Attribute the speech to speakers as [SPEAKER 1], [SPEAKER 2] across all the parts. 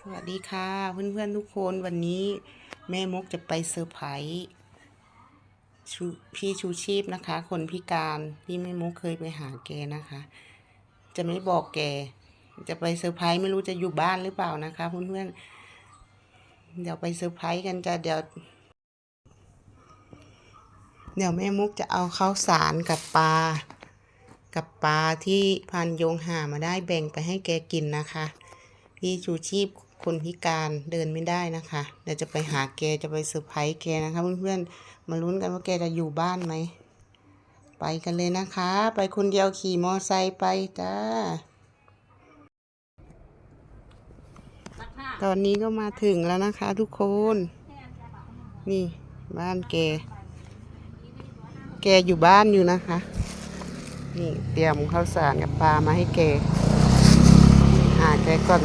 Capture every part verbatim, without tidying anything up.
[SPEAKER 1] วัสดีค่ะเพื่อนๆทุกคนวันนี้แม่มกจะไปเซอร์ไพรส์ชูพี่ชูชีพนะคะคนพิการที่แม่มกเคยไปหาแกนะคะ จะไม่บอกแกจะไปเซอร์ไพรส์ไม่รู้จะอยู่บ้านหรือเปล่านะคะเพื่อนๆเดี๋ยวไปเซอร์ไพรส์กันจะเดี๋ยวเดี๋ยวแม่มุกจะเอาข้าวสารกับปลากับปลาที่พันโยงหามาได้แบ่งไปให้แกกินนะคะพี่ชูชีพคนพิการเดินไม่ได้นะคะเดี๋ยวจะไปหาแกจะไปเซอร์ไพรส์แกนะคะเพื่อนๆมาลุ้นกันว่าแกจะอยู่บ้านไหมไปกันเลยนะคะไปคนเดียวขี่มอไซค์ไปจ้าตอนนี้ก็มาถึงแล้วนะคะทุกคนนี่บ้านแกแกอยู่บ้านอยู่นะคะนี่เตรียมข้าวสารกับปลามาให้แกหาแกก่อน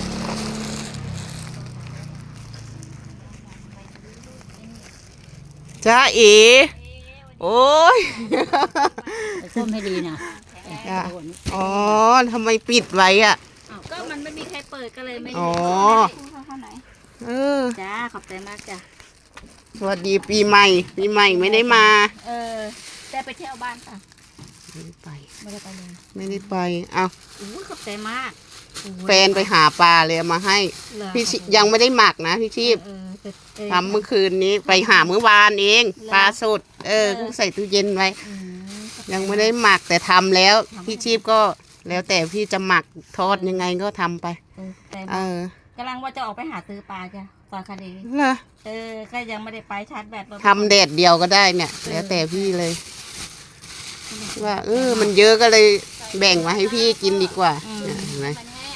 [SPEAKER 1] จ้าเอ๋โอ้ย
[SPEAKER 2] ส้มให้ดีนะ
[SPEAKER 1] อ๋อทำไมปิดไว้อ่ะ
[SPEAKER 2] ก็มันไม่มีใครเปิดก็เลยไม่
[SPEAKER 1] อ๋อเออ
[SPEAKER 2] จ้าขอบใจมากจ้ะ
[SPEAKER 1] สวัสดีปีใหม่ปีใหม่ไม่ได้มา
[SPEAKER 2] เออได้ไปเที่ยวบ้านป่ะ
[SPEAKER 1] ไม่ได้ไป
[SPEAKER 2] ไม่ได้ไปเลย
[SPEAKER 1] ไม่ได้ไปอ้าว
[SPEAKER 2] ขอบใจมาก
[SPEAKER 1] แฟนไปหาปลาเลยมาให้พี่ยังไม่ได้หมักนะพี่ชีพทำเมื่อคืนนี้ไปหาเมื่อวานเองปลาสดเออก็ใส่ตู้เย็นไว้ยังไม่ได้หมักแต่ทำแล้วพี่ชีพก็แล้วแต่พี่จะหมักทอดยังไงก็ทำไป
[SPEAKER 2] เออกำลังว่าจะออกไปหาซื้อปลาจ้ะตอนคดี
[SPEAKER 1] เหรอ
[SPEAKER 2] เออก็ยังไม่ได้ไปชาร์จแบต
[SPEAKER 1] ทำแดดเดียวก็ได้เนี่ยแล้วแต่พี่เลยว่าเออมันเยอะก็เลยแบ่งมาให้พี่กินดีกว่าเห็นไหม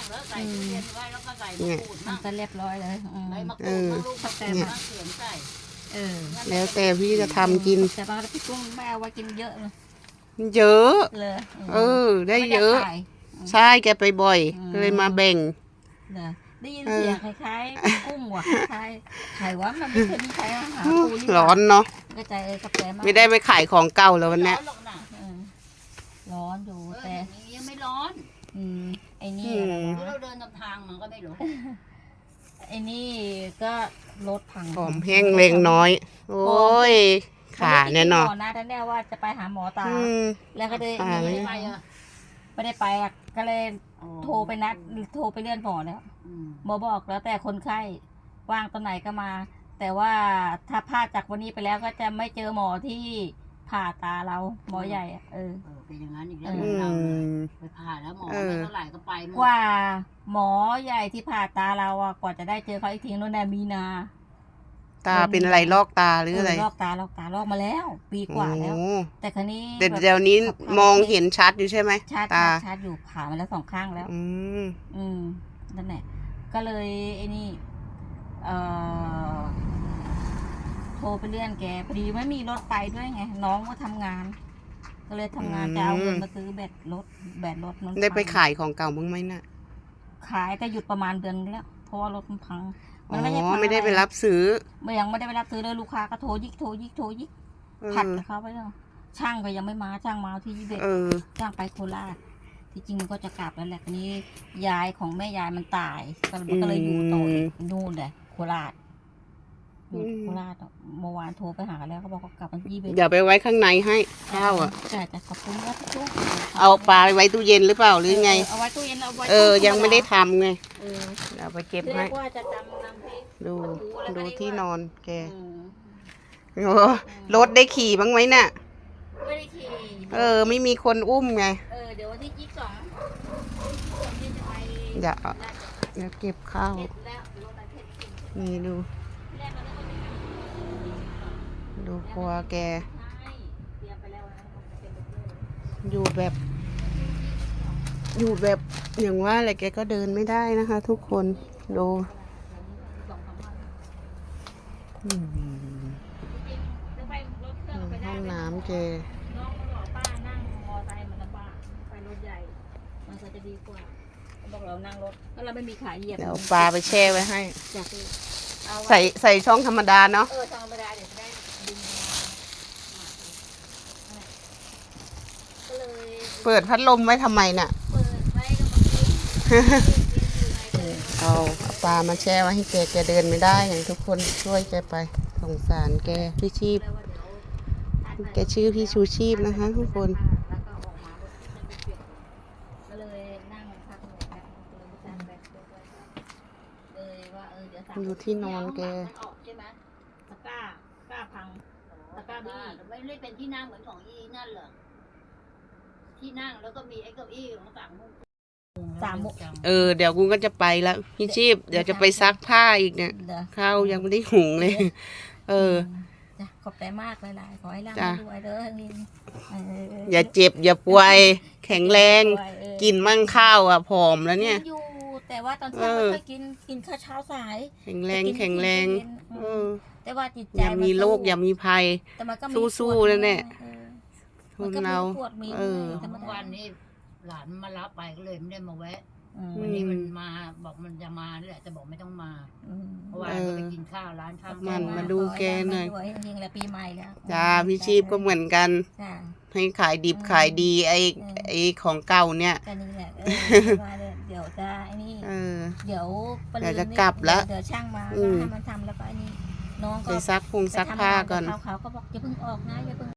[SPEAKER 2] เนี่ยมันจะเรียบร้อยเลย
[SPEAKER 1] เออ
[SPEAKER 2] เนี่ยเออ
[SPEAKER 1] แล้วแต่พี่จะทำกิน
[SPEAKER 2] แต่บางทีกุ้งแม่ว่ากินเยอะเลย
[SPEAKER 1] เยอะเออได้เยอะใช่แกไปบ่อยเลยมาแบ่ง
[SPEAKER 2] ได้ยินเสียงคล้ายๆกุ้งว่ะคล้ายไข่ว่ามันไม่เคยมีใครหาปูนี่
[SPEAKER 1] ร้อนเนาะ
[SPEAKER 2] ก็ใจเออกับใจมาก
[SPEAKER 1] ไม่ได้ไปขายของเก่าแล้ววันนี้
[SPEAKER 2] ร้อนอยู่แต่
[SPEAKER 3] ยังไม่ร้อน
[SPEAKER 2] อืมไอ้นี่
[SPEAKER 3] เราเดินตามทางมันก็ไม่รู้
[SPEAKER 2] ไอ้นี่ก็รถพัง
[SPEAKER 1] ผอมแห้งเล็งน้อยโอ้ยขาเนี่ยเนาะ
[SPEAKER 2] นะท่านแน่ว่าจะไปหาหมอตาแล้วก็เลยไม่ได้ไปไม่ได้ไปก็เลยโทรไปนัดโทรไปเลื่อนหมอแล้วหมอบอกแล้วแต่คนไข้ว่างตอนไหนก็มา แต่ว่าถ้าพลาดจากวันนี้ไปแล้วก็จะไม่เจอหมอที่ผ่าตาเราหมอใหญ่เออ
[SPEAKER 3] เป็นอย่างนั้นอีกแล้วเราไปผ่าแล้วหมอไม่เท่าไหร่ก็ไป
[SPEAKER 2] กว่าหมอใหญ่ที่ผ่าตาเราอ่ะกว่าจะได้เจอเขาอีกทีนู้นน่ะมีนา
[SPEAKER 1] ตาเป็นอะไรลอกตาหรืออะไร
[SPEAKER 2] ลอกตาลอกตาลอกมาแล้วปีกว่าแล้วแต่ครั้นี้
[SPEAKER 1] แต่เดี๋ยวนี้มองเห็นชัดอยู่ใช่ไหม
[SPEAKER 2] ชัดชัดอยู่ผ่ามาแล้วสองข้างแล้ว
[SPEAKER 1] อืม
[SPEAKER 2] อืมนั่นแหละก็เลยไอ้นี่เอ่อโทรไปเลื่อนแกพอดีไม่มีรถไปด้วยไงน้องก็ทำงานก็เลยทำงานจะเอาเงินมาซื้อแบตรถแบตรถ
[SPEAKER 1] นั้นได้ไปขายของเก่าบ้างไหมน่ะ
[SPEAKER 2] ขายแต่หยุดประมาณเดือนแล้วเพราะว่ารถมันพัง
[SPEAKER 1] มันไม่ใช่ไม่ได้ไปรับซื้อ
[SPEAKER 2] ไม่ยังไม่ได้ไปรับซื้อเลยลูกค้าก็โทรยิกโทรยิกโทรยิกผัดเขาไปแล้วช่างก็ยังไม่มาช่างมาที่ยี่สิบเอ็ดช่างไปโคราชที่จริงมันก็จะกลับแล้วแหละนี้ยายของแม่ยายมันตายก็เลยอยู่ต่อนู่นเลยโคราชอยู่โคราชเมื่อวานโทรไปหาแล้วเขาบอกเขากลับมายี่สิบเอ็ด
[SPEAKER 1] อย่าไปไว้ข้างในให้ข้าวอ่ะ
[SPEAKER 2] ใช่แต่ขอบคุณว่าทุก
[SPEAKER 1] เอาปลาไว้ตู้เย็นหรือเปล่าหรือไง
[SPEAKER 2] เอาไว้ตู้เย็นเอาไว้
[SPEAKER 1] เออยังไม่ได้ทำไงเอาไปเก็บให้ดูดูที่นอนแกโอ้รถได้ขี่บ้างไหมเนี่ย
[SPEAKER 2] ไม่ได้ขี่
[SPEAKER 1] เออไม่มีคนอุ้มไง
[SPEAKER 2] เออเดี๋ยววันที่ยี่สิบสอง
[SPEAKER 1] เดี๋ยวเดี๋ยวเก็บข้าวนี่ดูดูครัวแกอยู่แบบอยู่แบบอย่างว่าอะไรแกก็เดินไม่ได้นะคะทุกคนดูห้องน้ำแก
[SPEAKER 2] น้องบอกป้านั่งมอไซค์มันลำบากไปรถใหญ่มันก็จะดีกว่าบอกเรานั่งรถแล้วเราไม่มีขาเหยียบ
[SPEAKER 1] เดี๋ยวปลาไปแช่ไว้ให้
[SPEAKER 2] ใ
[SPEAKER 1] ส่ใส่ช่องธรรมดาเนาะ
[SPEAKER 2] เออช่องธรรมดาเดี๋ยวจะได้ดึงก็เลย
[SPEAKER 1] เปิดพัดลมไว้ทำไมน่ะ
[SPEAKER 2] เปิดไว้ก็บางที
[SPEAKER 1] เอาปปลามาแช่ไว้ให้แกแกเดินไม่ได้อย่างทุกคนช่วยแกไปสงสารแกพี่ชีพแกชื่อพี่ชูชีพนะคะทุกคน
[SPEAKER 2] แล้วก็ออกมาก็เลยนั่งพักหน่อยนะเลยไม่ทานแบบเลยว่าเออเดี๋ยวสั่ง
[SPEAKER 1] อยู่ที่นอนแก
[SPEAKER 3] มันออกใช่ไหม
[SPEAKER 2] ตะกร้าตะกร้าพัง
[SPEAKER 3] ตะกร้าบี้ไม่ได้เป็นที่นั่งเหมือนของอีนั่นเหรอที่นั่งแล้วก็มีไอ้เก้าอี้ของต่างมุม
[SPEAKER 2] สามมุก
[SPEAKER 1] เออเดี๋ยวกูก็จะไปแล้วพี่ชีพเดี๋ยวจะไปซักผ้าอีกเนี่ย
[SPEAKER 2] เดี๋ยว
[SPEAKER 1] ข้าวยังไม่ได้หุงเลย เออ
[SPEAKER 2] จ้ะขอบใจมากหลายๆขอให้ร่ำ
[SPEAKER 1] จ้ะ
[SPEAKER 2] ให้รวยเด้อนี่เออ
[SPEAKER 1] อย่าเจ็บอย่าป่วย แข็งแรง
[SPEAKER 2] รวยเออ
[SPEAKER 1] กินมั่งข้าวอ่ะผอมแล้วเนี่ย
[SPEAKER 2] กิอยู่แต่ว่าตอนเช้า
[SPEAKER 1] เอ
[SPEAKER 2] ไม่
[SPEAKER 1] อ
[SPEAKER 2] ค่อยกินกินข้าวเช้าสาย
[SPEAKER 1] แข็งแรงแข็งแรง
[SPEAKER 2] กิน
[SPEAKER 1] เอ
[SPEAKER 2] อืม
[SPEAKER 1] อ
[SPEAKER 2] แต่ว่าจิตใจ
[SPEAKER 1] อย่ามีโรคอย่ามีภัย
[SPEAKER 2] แต่มันก็มี
[SPEAKER 1] สู้
[SPEAKER 2] ปวด
[SPEAKER 1] ๆนั่นแหละ
[SPEAKER 2] เออ
[SPEAKER 1] ทุ
[SPEAKER 2] มัน
[SPEAKER 1] น
[SPEAKER 2] ก็มี
[SPEAKER 1] เรา
[SPEAKER 2] ปวดมี
[SPEAKER 1] เออ
[SPEAKER 2] ธรรม
[SPEAKER 3] เมื่อ
[SPEAKER 2] ดา
[SPEAKER 3] วันนี้หลานมารับไปก็เลยไม่ได้มาแวะ
[SPEAKER 2] อืม
[SPEAKER 3] วันนี้มันมาบอกมันจะมานี่แหละจะบอกไม่ต้องมา
[SPEAKER 2] อืม
[SPEAKER 3] เพราะว่าก็ไปกินข้าวร้านข้าว
[SPEAKER 1] มัน
[SPEAKER 3] แก้ว
[SPEAKER 1] มาดูแกหน่อย
[SPEAKER 2] ขให้ร่ำให้รวยจริงๆแล้วปีใหม่แล้ว
[SPEAKER 1] จ้าพี่ชีพก็เหมือนกัน
[SPEAKER 2] จ้า
[SPEAKER 1] ให้ขายดิบขายดีไอ้
[SPEAKER 2] อืม
[SPEAKER 1] ไอ้ของเก่าเนี่ย
[SPEAKER 2] ก็นี่แหละเออว่าเลยเดี๋ยวจะไอ้นี่
[SPEAKER 1] เออ
[SPEAKER 2] เดี๋ยวป
[SPEAKER 1] เดี๋ยวจะ
[SPEAKER 2] นี่
[SPEAKER 1] กลับแล้ว
[SPEAKER 2] เดี๋ยวช่างมา
[SPEAKER 1] อื
[SPEAKER 2] ก็
[SPEAKER 1] ม
[SPEAKER 2] ให้มันทำแล้วก็ไอ้นี่น้องก็
[SPEAKER 1] ไปซักพุงซักผ้าก่อน
[SPEAKER 2] เขาเขาก็บอกอย่าเพิ่งออกนะอย่าเพิ่ง